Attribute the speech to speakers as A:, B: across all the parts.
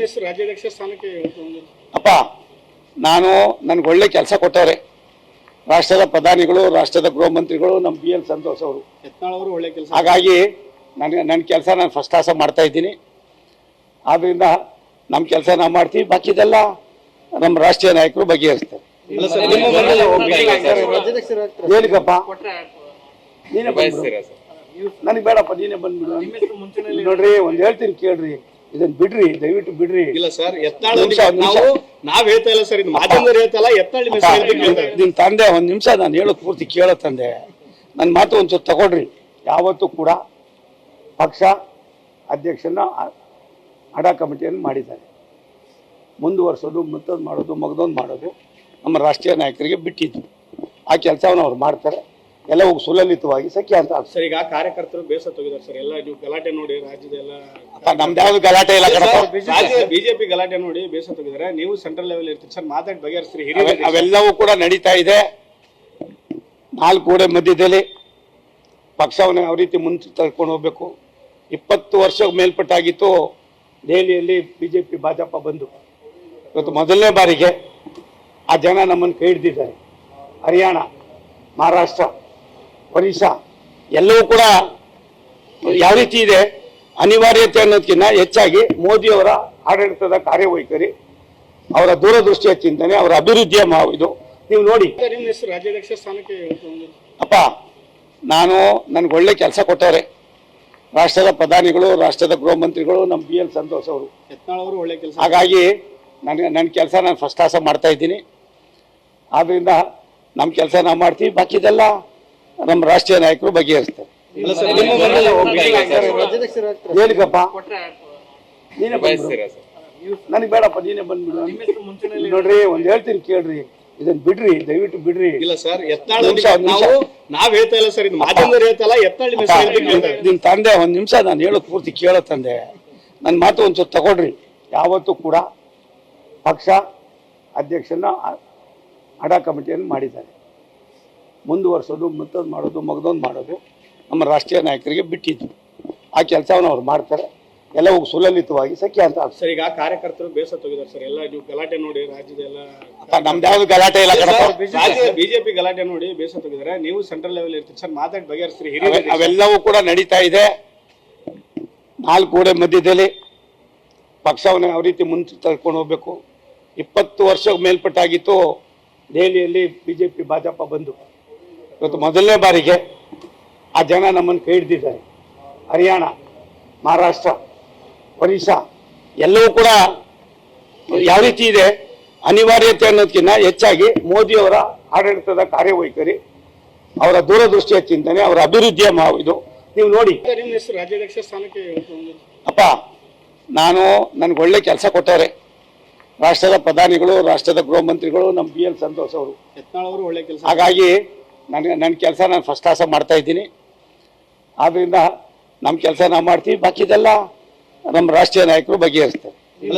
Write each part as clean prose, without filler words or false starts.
A: ನಿಮ್ಮ ಹೆಸರು ರಾಜ್ಯಾಧ್ಯಕ್ಷ ಸ್ಥಾನಕ್ಕೆ
B: ಅಪ್ಪ ನಾನು ನನಗೆ ಒಳ್ಳೆ ಕೆಲಸ ಕೊಟ್ಟವ್ರೆ ರಾಷ್ಟ್ರದ ಪ್ರಧಾನಿಗಳು ರಾಷ್ಟ್ರದ ಗೃಹ ಮಂತ್ರಿಗಳು ನಮ್ಮ ಬಿ ಎಲ್ ಸಂತೋಷ್ ಅವರು
A: ಯತ್ನಾಳ್ ಅವರು ಒಳ್ಳೆ ಕೆಲಸ
B: ಹಾಗಾಗಿ ನನ್ನ ಕೆಲಸ ನಾನು ಫಸ್ಟ್ ಕ್ಲಾಸ್ ಮಾಡ್ತಾ ಇದ್ದೀನಿ ಆದ್ರಿಂದ ನಮ್ಮ ಕೆಲಸ ನಾವು ಮಾಡ್ತೀವಿ ಬಾಕಿದೆಲ್ಲ ನಮ್ಮ ರಾಷ್ಟ್ರೀಯ ನಾಯಕರು ಬಗೆಹರಿಸ್ತಾರೆ ಏನಕ್ಕಪ್ಪ ನೀನೇ ನನಗೆ ಬೇಡಪ್ಪ ನೀನೇ ಬಂದ್ಬಿಡು ನೋಡ್ರಿ ಒಂದ್ ಹೇಳ್ತೀನಿ ಕೇಳ್ರಿ ಇದನ್ನ ಬಿಡ್ರಿ ದಯವಿಟ್ಟು ಬಿಡ್ರಿ
A: ಇಲ್ಲ ಸರ್ ಯತ್ನಾಳ್ ನಾವ್ ಹೇಳ್ತಾ ಇಲ್ಲ ಸರ್ ಇದು ಮಾಧ್ಯಮದವ್ರು ಹೇಳ್ತಾ ಇಲ್ಲ ಯತ್ನಾಳ್
B: ನಿಮ್ ತಂದೆ ಒಂದ್ ನಿಮಿಷ ನಾನು ಹೇಳೋದು ಪೂರ್ತಿ ಕೇಳೋ ತಂದೆ ನನ್ನ ಮಾತು ಒಂಚೂರು ತಗೊಳ್ರಿ ಯಾವತ್ತೂ ಕೂಡ ಪಕ್ಷ ಅಧ್ಯಕ್ಷನ ಅಡ ಕಮಿಟಿಯನ್ನು ಮಾಡಿದ್ದಾರೆ ಮುಂದುವರ್ಸೋದು ಮತ್ತೊಂದು ಮಾಡೋದು ಮಗದೊಂದು ಮಾಡೋದು ನಮ್ಮ ರಾಷ್ಟ್ರೀಯ ನಾಯಕರಿಗೆ ಬಿಟ್ಟಿದ್ದು ಆ ಕೆಲಸವನ್ನು ಅವ್ರು ಮಾಡ್ತಾರೆ ಎಲ್ಲ ಹೋಗಿ ಸುಲಲಿತವಾಗಿ ಸಖ್ಯ ಅಂತ
A: ಸರ್ ಈಗ ಕಾರ್ಯಕರ್ತರು ಬೇಸತ್ತು ಹೋಗಿದ್ದಾರೆ ಸರ್ ಎಲ್ಲ ನೀವು ಗಲಾಟೆ ನೋಡಿ ರಾಜ್ಯದೆಲ್ಲ
B: ನಮ್ದು ಯಾವ್ದು ಗಲಾಟೆ ಇಲ್ಲ
A: ಬಿಜೆಪಿ ಗಲಾಟೆ ನೋಡಿ ಬೇಸತ್ತು ಹೋಗಿದ್ದಾರೆ ನೀವು ಸೆಂಟ್ರಲ್ ಲೆವೆಲ್ ಇರ್ತೀರಿ ಸರ್ ಮಾತಾಡಿ ಬಗೆಹರಿಸ್ರಿ
B: ಅವೆಲ್ಲವೂ ಕೂಡ ನಡೀತಾ ಇದೆ 4 ಗೋಡೆ ಮಧ್ಯದಲ್ಲಿ ಪಕ್ಷವನ್ನು ಯಾವ ರೀತಿ ಮುಂದೆ ತಳ್ಕೊಂಡು ಹೋಗ್ಬೇಕು 20 ವರ್ಷ ಮೇಲ್ಪಟ್ಟಾಗಿತ್ತು ದೆಹಲಿಯಲ್ಲಿ ಬಿಜೆಪಿ ಭಾಜಪ ಬಂದು ಇವತ್ತು ಮೊದಲನೇ ಬಾರಿಗೆ ಆ ಜನ ನಮ್ಮನ್ನು ಕೈ ಹಿಡಿದಿದ್ದಾರೆ ಹರಿಯಾಣ ಮಹಾರಾಷ್ಟ್ರ ಒರಿಸ್ಸಾ ಎಲ್ಲವೂ ಕೂಡ ಯಾವ ರೀತಿ ಇದೆ ಅನಿವಾರ್ಯತೆ ಅನ್ನೋದಕ್ಕಿಂತ ಹೆಚ್ಚಾಗಿ ಮೋದಿಯವರ ಆಡಳಿತದ ಕಾರ್ಯವೈಖರಿ ಅವರ ದೂರದೃಷ್ಟಿಯ ಚಿಂತನೆ ಅವರ ಅಭಿವೃದ್ಧಿಯ ಇದು ನೀವು ನೋಡಿ
A: ನಿಮ್ಮ ಹೆಸರು ರಾಜ್ಯಾಧ್ಯಕ್ಷ ಸ್ಥಾನಕ್ಕೆ
B: ಅಪ್ಪ ನಾನು ನನಗೆ ಒಳ್ಳೆ ಕೆಲಸ ಕೊಟ್ಟವ್ರೆ ರಾಷ್ಟ್ರದ ಪ್ರಧಾನಿಗಳು ರಾಷ್ಟ್ರದ ಗೃಹ ಮಂತ್ರಿಗಳು ನಮ್ಮ ಬಿ ಎಲ್ ಸಂತೋಷ್ ಅವರು
A: ಯತ್ನಾಳ್ ಅವರು ಒಳ್ಳೆ ಕೆಲಸ
B: ಹಾಗಾಗಿ ನನ್ನ ಕೆಲಸ ನಾನು ಫಸ್ಟ್ ಕ್ಲಾಸ್ ಮಾಡ್ತಾ ಇದ್ದೀನಿ ಆದ್ರಿಂದ ನಮ್ಮ ಕೆಲಸ ನಾವು ಮಾಡ್ತೀವಿ ಬಾಕಿದೆಲ್ಲ ನಮ್ಮ ರಾಷ್ಟ್ರೀಯ ನಾಯಕರು ಬಗೆಹರಿಸ್ತಾರೆ ಏನಕ್ಕಪ್ಪ ನೀನೇ ನನಗೆ ಬೇಡಪ್ಪ ನೀನೇ ಬಂದ್ಬಿಡು ನೋಡ್ರಿ ಒಂದ್ ಹೇಳ್ತೀನಿ ಕೇಳ್ರಿ ಇದನ್ನ ಬಿಡ್ರಿ ದಯವಿಟ್ಟು ಬಿಡ್ರಿ
A: ಇಲ್ಲ ಸರ್ ಯತ್ನಾಳ್ ನಾವ್ ಹೇಳ್ತಾ ಇಲ್ಲ ಸರ್ ಇದು ಮಾಧ್ಯಮದವ್ರು ಹೇಳ್ತಾ ಇಲ್ಲ ಯತ್ನಾಳ್
B: ನಿಮ್ ತಂದೆ ಒಂದ್ ನಿಮಿಷ ನಾನು ಹೇಳೋದು ಪೂರ್ತಿ ಕೇಳೋ ತಂದೆ ನನ್ನ ಮಾತು ಒಂಚೂರು ತಗೊಳ್ರಿ ಯಾವತ್ತೂ ಕೂಡ ಪಕ್ಷ ಅಧ್ಯಕ್ಷನ ಅಡ ಕಮಿಟಿಯನ್ನು ಮಾಡಿದ್ದಾರೆ ಮುಂದುವರ್ಸೋದು ಮತ್ತೊಂದು ಮಾಡೋದು ಮಗದೊಂದು ಮಾಡೋದು ನಮ್ಮ ರಾಷ್ಟ್ರೀಯ ನಾಯಕರಿಗೆ ಬಿಟ್ಟಿದ್ದು ಆ ಕೆಲಸವನ್ನು ಅವ್ರು ಮಾಡ್ತಾರೆ ಎಲ್ಲ ಹೋಗಿ ಸುಲಲಿತವಾಗಿ ಸಖ್ಯ ಅಂತ
A: ಸರ್ ಈಗ ಕಾರ್ಯಕರ್ತರು ಬೇಸತ್ತು ಹೋಗಿದ್ದಾರೆ ಸರ್ ಎಲ್ಲ ನೀವು ಗಲಾಟೆ ನೋಡಿ ರಾಜ್ಯದೆಲ್ಲ
B: ನಮ್ದು ಯಾವ್ದು ಗಲಾಟೆ ಇಲ್ಲ
A: ಬಿಜೆಪಿ ಗಲಾಟೆ ನೋಡಿ ಬೇಸತ್ತು ಹೋಗಿದ್ದಾರೆ ನೀವು ಸೆಂಟ್ರಲ್ ಲೆವೆಲ್ ಇರ್ತೀರಿ ಸರ್ ಮಾತಾಡಿ ಬಗೆಹರಿಸ್ರಿ
B: ಅವೆಲ್ಲವೂ ಕೂಡ ನಡೀತಾ ಇದೆ 4 ಗೋಡೆ ಮಧ್ಯದಲ್ಲಿ ಪಕ್ಷವನ್ನು ಯಾವ ರೀತಿ ಮುಂದೆ ತಳ್ಕೊಂಡು ಹೋಗ್ಬೇಕು 20 ವರ್ಷ ಮೇಲ್ಪಟ್ಟಾಗಿತ್ತು ದೆಹಲಿಯಲ್ಲಿ ಬಿಜೆಪಿ ಭಾಜಪ ಬಂದು ಇವತ್ತು ಮೊದಲನೇ ಬಾರಿಗೆ ಆ ಜನ ನಮ್ಮನ್ನು ಕೈ ಹಿಡಿದಿದ್ದಾರೆ ಹರಿಯಾಣ ಮಹಾರಾಷ್ಟ್ರ ಒರಿಸ್ಸಾ ಎಲ್ಲವೂ ಕೂಡ ಯಾವ ರೀತಿ ಇದೆ ಅನಿವಾರ್ಯತೆ ಅನ್ನೋದಕ್ಕಿಂತ ಹೆಚ್ಚಾಗಿ ಮೋದಿಯವರ ಆಡಳಿತದ ಕಾರ್ಯವೈಖರಿ ಅವರ ದೂರದೃಷ್ಟಿಯ ಚಿಂತನೆ ಅವರ ಅಭಿವೃದ್ಧಿಯ ಇದು ನೀವು ನೋಡಿ
A: ನಿಮ್ಮ ಹೆಸರು ರಾಜ್ಯಾಧ್ಯಕ್ಷ ಸ್ಥಾನಕ್ಕೆ
B: ಅಪ್ಪ ನಾನು ನನಗೆ ಒಳ್ಳೆ ಕೆಲಸ ಕೊಟ್ಟವ್ರೆ ರಾಷ್ಟ್ರದ ಪ್ರಧಾನಿಗಳು ರಾಷ್ಟ್ರದ ಗೃಹ ಮಂತ್ರಿಗಳು ನಮ್ಮ ಬಿ ಎಲ್ ಸಂತೋಷ್ ಅವರು
A: ಯತ್ನಾಳ್ ಅವರು ಒಳ್ಳೆ ಕೆಲಸ
B: ಹಾಗಾಗಿ ನನ್ನ ಕೆಲಸ ನಾನು ಫಸ್ಟ್ ಕ್ಲಾಸ್ ಮಾಡ್ತಾ ಇದ್ದೀನಿ ಆದ್ರಿಂದ ನಮ್ಮ ಕೆಲಸ ನಾವು ಮಾಡ್ತೀವಿ ಬಾಕಿದೆಲ್ಲ ನಮ್ಮ ರಾಷ್ಟ್ರೀಯ ನಾಯಕರು ಬಗೆಹರಿಸ್ತಾರೆ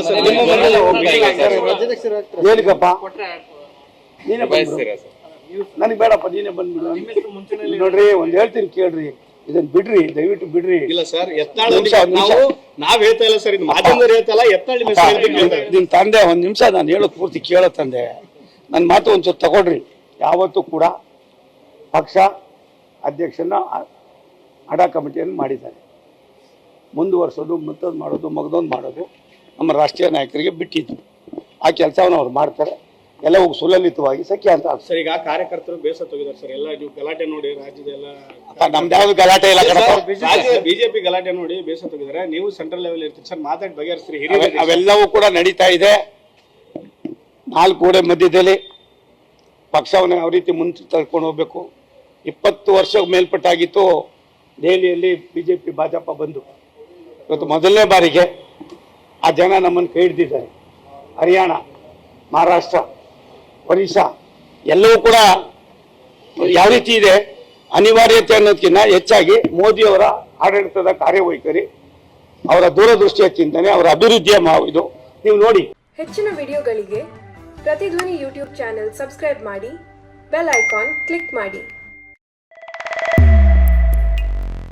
B: ಏನಕ್ಕಪ್ಪ ನೀನೇ ನನಗೆ ಬೇಡಪ್ಪ ನೀನೇ ಬಂದ್ಬಿಡು ನೋಡ್ರಿ ಒಂದ್ ಹೇಳ್ತೀನಿ ಕೇಳ್ರಿ ಇದನ್ನ ಬಿಡ್ರಿ ದಯವಿಟ್ಟು ಬಿಡ್ರಿ
A: ಇಲ್ಲ ಸರ್ ಯತ್ನಾಳ್ ನಾವ್ ಹೇಳ್ತಾ ಇಲ್ಲ ಸರ್ ಇದು ಮಾಧ್ಯಮದವ್ರು ಹೇಳ್ತಾ ಇಲ್ಲ ಯತ್ನಾಳ್
B: ನಿಮ್ ತಂದೆ ಒಂದ್ ನಿಮಿಷ ನಾನು ಹೇಳೋದು ಪೂರ್ತಿ ಕೇಳೋ ತಂದೆ ನನ್ನ ಮಾತು ಒಂಚೂರು ತಗೊಳ್ರಿ ಯಾವತ್ತೂ ಕೂಡ ಪಕ್ಷ ಅಧ್ಯಕ್ಷನ ಅಡ ಕಮಿಟಿಯನ್ನು ಮಾಡಿದ್ದಾರೆ ಮುಂದುವರ್ಸೋದು ಮತ್ತೊಂದು ಮಾಡೋದು ಮಗದೊಂದು ಮಾಡೋದು ನಮ್ಮ ರಾಷ್ಟ್ರೀಯ ನಾಯಕರಿಗೆ ಬಿಟ್ಟಿದ್ದು ಆ ಕೆಲಸವನ್ನು ಅವ್ರು ಮಾಡ್ತಾರೆ ಎಲ್ಲ ಹೋಗಿ ಸುಲಲಿತವಾಗಿ ಸಖ್ಯ ಅಂತ
A: ಸರ್ ಈಗ ಕಾರ್ಯಕರ್ತರು ಬೇಸತ್ತು ಹೋಗಿದ್ದಾರೆ ಸರ್ ಎಲ್ಲ ನೀವು ಗಲಾಟೆ ನೋಡಿ ರಾಜ್ಯದೆಲ್ಲ
B: ನಮ್ದು ಯಾವ್ದು ಗಲಾಟೆ ಇಲ್ಲ
A: ಬಿಜೆಪಿ ಗಲಾಟೆ ನೋಡಿ ಬೇಸತ್ತು ಹೋಗಿದ್ದಾರೆ ನೀವು ಸೆಂಟ್ರಲ್ ಲೆವೆಲ್ ಇರ್ತೀರಿ ಸರ್ ಮಾತಾಡಿ ಬಗೆಹರಿಸ್ರಿ
B: ಅವೆಲ್ಲವೂ ಕೂಡ ನಡೀತಾ ಇದೆ 4 ಗೋಡೆ ಮಧ್ಯದಲ್ಲಿ ಪಕ್ಷವನ್ನು ಯಾವ ರೀತಿ ಮುಂದೆ ತಳ್ಕೊಂಡು ಹೋಗ್ಬೇಕು 20 ವರ್ಷ ಮೇಲ್ಪಟ್ಟಾಗಿತ್ತು ದೆಹಲಿಯಲ್ಲಿ ಬಿಜೆಪಿ ಭಾಜಪ ಬಂದು ಇವತ್ತು ಮೊದಲನೇ ಬಾರಿಗೆ ಆ ಜನ ನಮ್ಮನ್ನು ಕೈ ಹಿಡಿದಿದ್ದಾರೆ ಹರಿಯಾಣ ಮಹಾರಾಷ್ಟ್ರ ಒರಿಸ್ಸಾ ಎಲ್ಲವೂ ಕೂಡ ಯಾವ ರೀತಿ ಇದೆ ಅನಿವಾರ್ಯತೆ ಅನ್ನೋದಕ್ಕಿಂತ ಹೆಚ್ಚಾಗಿ ಮೋದಿಯವರ ಆಡಳಿತದ ಕಾರ್ಯವೈಖರಿ ಅವರ ದೂರದೃಷ್ಟಿಯ ಚಿಂತನೆ ಅವರ ಅಭಿವೃದ್ಧಿಯ ಇದು ನೀವು ನೋಡಿ
C: ಹೆಚ್ಚಿನ ವಿಡಿಯೋಗಳಿಗೆ ಪ್ರತಿಧ್ವನಿ ಯೂಟ್ಯೂಬ್ ಚಾನೆಲ್ ಸಬ್ಸ್ಕ್ರೈಬ್ ಮಾಡಿ ಬೆಲ್ ಐಕಾನ್ ಕ್ಲಿಕ್ ಮಾಡಿ